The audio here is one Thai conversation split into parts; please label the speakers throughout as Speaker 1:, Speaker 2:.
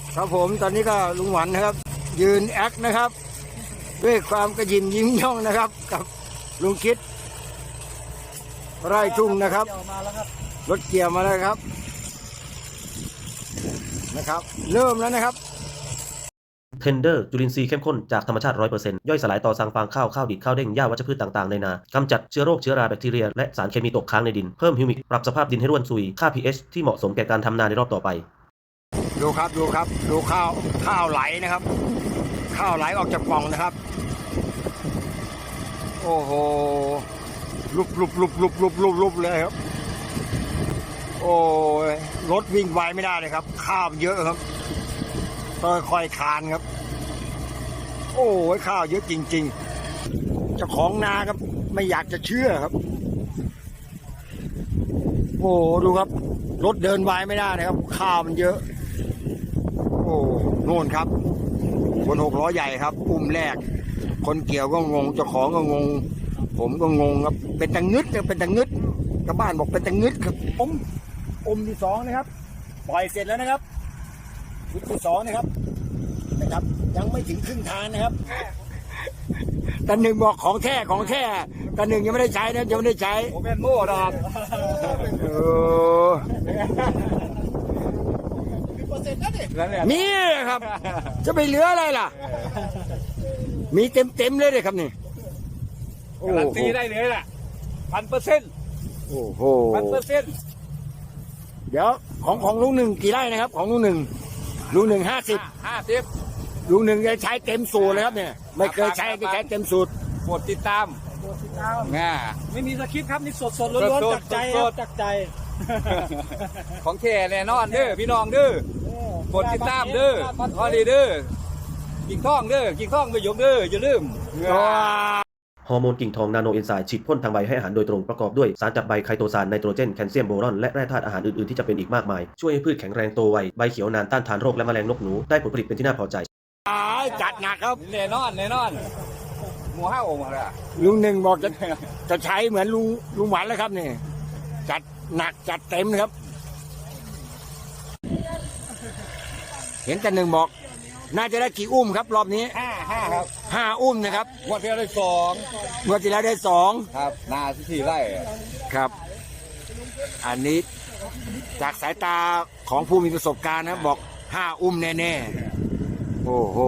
Speaker 1: ครับผมตอนนี้ก็ลุงหวันนะครับยืนแอคนะครับด้วยความกระยิมยิ้มย่องนะครับกับลุงคิดไร่ทุ่งนะครับรถเกี่ยวมาแล้วครับเริ่มแล้วนะครับ
Speaker 2: เทนเดอร์จุลินทรีย์เข้มข้นจากธรรมชาติ 100% ย่อยสลายต่อสั่งฟางข้าวข้าวดิบข้าวเด้งหญ้าวัชพืชต่างๆในนากำจัดเชื้อโรคเชื้อราแบคทีเรียและสารเคมีตกค้างในดินเพิ่มฮิวมิกปรับสภาพดินให้ร่วนซุยค่า pH ที่เหมาะสมแก่การทำนาในรอบต่อไป
Speaker 1: ดูข้าวไหลนะครับข้าวไหลออกจากปล่องนะครับโอ้โหลุบเลยครับโอ้ยรถวิ่งไวไม่ได้เลยครับข้าวเยอะครับค่อยๆคานครับโอ้ยข้าวเยอะจริงๆเจ้าของนาครับไม่อยากจะเชื่อครับโอ้ดูครับรถเดินไวไม่ได้นะครับข้าวมันเยอะโอ้โน่นครับบน6 ล้อใหญ่ครับอุ้มแรกคนเกี่ยวก็งงเจ้าของก็งงผมก็งงครับเป็นตังงึดเป็นตังงึดชาวบ้านบอกเป็นตังงึดครับอมที่2นะครับปล่อยเสร็จแล้วนะครับชุดที่2นะครับยังไม่ถึงครึ่งทางนะครับตาหนึ่งบอกของแท้ตาหนึ่งยังไม่ได้ใช้นะยังไม่ได้ใช้ผมเป็นโม่นะครับนี่ครับจะไปเหลืออะไรล่ะมีเต็มเลยครับนี่
Speaker 3: การันตีได้เลยล่ะ1,000%
Speaker 1: โอ้โห
Speaker 3: 1,000%
Speaker 1: เดี๋ยวของลุงหนึ่งกี่ไร่นะครับของลุงหนึ่ง50ลุงหนึ่งจะใช้เต็มสูตรเลยครับเนี่ยไม่เคยใช้เต็มสูตร
Speaker 3: โปรดติดตาม
Speaker 4: ไม่มีสคริปต์ครับนี่สดล้วนๆจากใจจากใจ
Speaker 3: ของแท้แน่นอนเด้อพี่น้องเด้อโปรดติดตามเด้อพอดีเด้อกิ่งทองไปยกเด้ออย่าลืม
Speaker 2: ฮอร์โมนกิ่งทองนาโนเอนไซม์ฉีดพ่นทางใบให้อาหารโดยตรงประกอบด้วยสารจับใบไคโตซานไนโตรเจนแคลเซียมโบรอนและแร่ธาตุอาหารอื่นๆที่จะเป็นอีกมากมายช่วยให้พืชแข็งแรงโตไวใบเขียวนานต้านทานโรคและแมลงนกหนูได้ผลผลิตเป็นที่น่าพอใจ
Speaker 1: จัดหนักครับ
Speaker 3: แน่นอนหมู5 องค์ละ
Speaker 1: ลุงหนึ่งบอกจะใช้เหมือนลุงหวานแล้วครับนี่จัดหนักจัดเต็มนะครับเห็นแต่หนึ่งบอกน่าจะได้กี่อุ้มครับรอบนี้
Speaker 3: 5ครับ
Speaker 1: 5 อุ้มนะครับ
Speaker 3: งวดที่แล้วได้2
Speaker 1: งวดที่แล้วได้2
Speaker 3: ครับนาที่ไร่
Speaker 1: ครับอันนี้จากสายตาของผู้มีประสบการณ์นะบอก5 อุ้มแน่ๆโอ้โห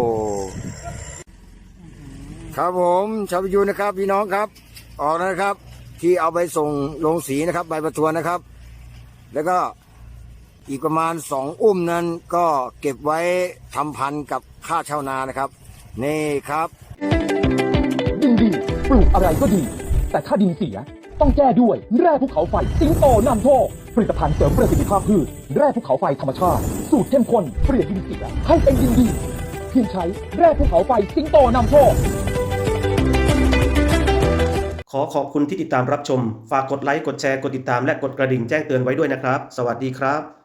Speaker 1: ครับผมชาวพิยูนะครับพี่น้องครับออกนะครับที่เอาไปส่งลงสีนะครับใบประทวนนะครับแล้วก็อีกประมาณ2 อุ้มนั้นก็เก็บไว้ทำพันธุ์กับค่าชาวนานะครับนี่ครับ
Speaker 5: ดินดีปลูกอะไรก็ดีแต่ถ้าดินเสียต้องแก้ด้วยแร่ภูเขาไฟสิงโตนำโชคผลิตภัณฑ์เสริมประสิทธิภาพพืชแร่ภูเขาไฟธรรมชาติสูตรเข้มข้นเปลี่ยนดินเสียให้เป็นดินดีเพียงใช้แร่ภูเขาไฟสิงโตนำโชค
Speaker 2: ขอขอบคุณที่ติดตามรับชมฝากกดไลค์กดแชร์กดติดตามและกดกระดิ่งแจ้งเตือนไว้ด้วยนะครับสวัสดีครับ